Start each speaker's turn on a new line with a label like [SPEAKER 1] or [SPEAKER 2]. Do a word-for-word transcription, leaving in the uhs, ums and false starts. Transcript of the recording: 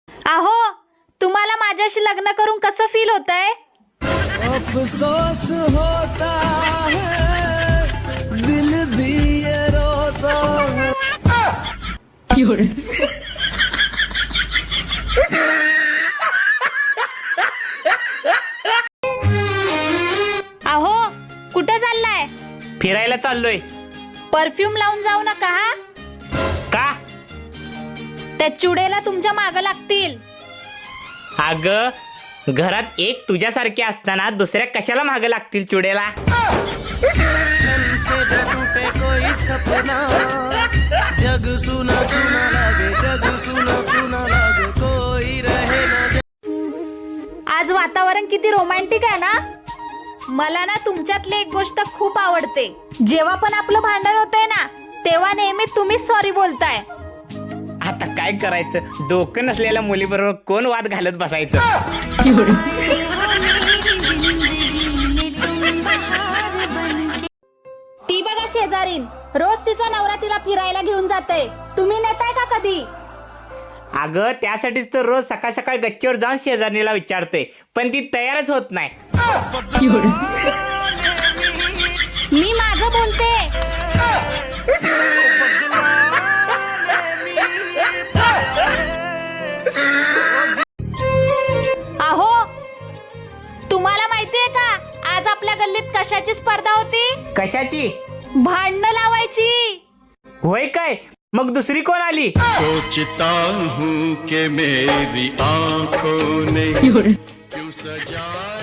[SPEAKER 1] अहो, तुम्हाला माझ्याशी लग्न करून कसं फील होतंय?
[SPEAKER 2] अफसोस होता है, दिल भी ये रोता है।
[SPEAKER 1] अहो, कुठं चाललाय?
[SPEAKER 3] फिरायला चाललोय.
[SPEAKER 1] परफ्यूम लावून जाऊ नका हा.
[SPEAKER 3] का?
[SPEAKER 1] त्या चुडेला तुमच्या मागं लागतील.
[SPEAKER 3] अग, घरात एक तुझ्यासारखे असताना दुसऱ्या कशाला मागे लागतील चुडेला?
[SPEAKER 2] कोई सपना जग सुना सुना लागे, जग सुना सुना लागे, कोई रहे ना.
[SPEAKER 1] आज वातावरण किती रोमॅन्टिक आहे ना. मला ना तुमच्यातली एक गोष्ट खूप आवडते. जेव्हा पण आपलं भांडण होतंय ना, तेव्हा नेहमी तुम्हीच सॉरी बोलताय.
[SPEAKER 3] आता काय करायचं? डोकं नसलेल्या मुलीबरोबर कोण वाद घालत बसायचं?
[SPEAKER 1] ती बघा शेजारीन, रोज तिचा नवरा तिला फिरायला घेऊन जाते. तुम्ही नेताय का कधी?
[SPEAKER 3] अगं, त्यासाठीच तर रोज सकाळ सकाळ गच्चीवर जाऊन शेजारणीला विचारते, पण ती तयारच होत नाही.
[SPEAKER 1] मी माझं बोलते. अहो, तुम्हाला माहितीये का आज आपल्या गल्लीत कशाची स्पर्धा होती?
[SPEAKER 3] कशाची?
[SPEAKER 1] भांडणं लावायची.
[SPEAKER 3] होय काय? मग दुसरी कोण आली?
[SPEAKER 4] सोचता हूँ कि मेरी आंखों ने क्यों सजा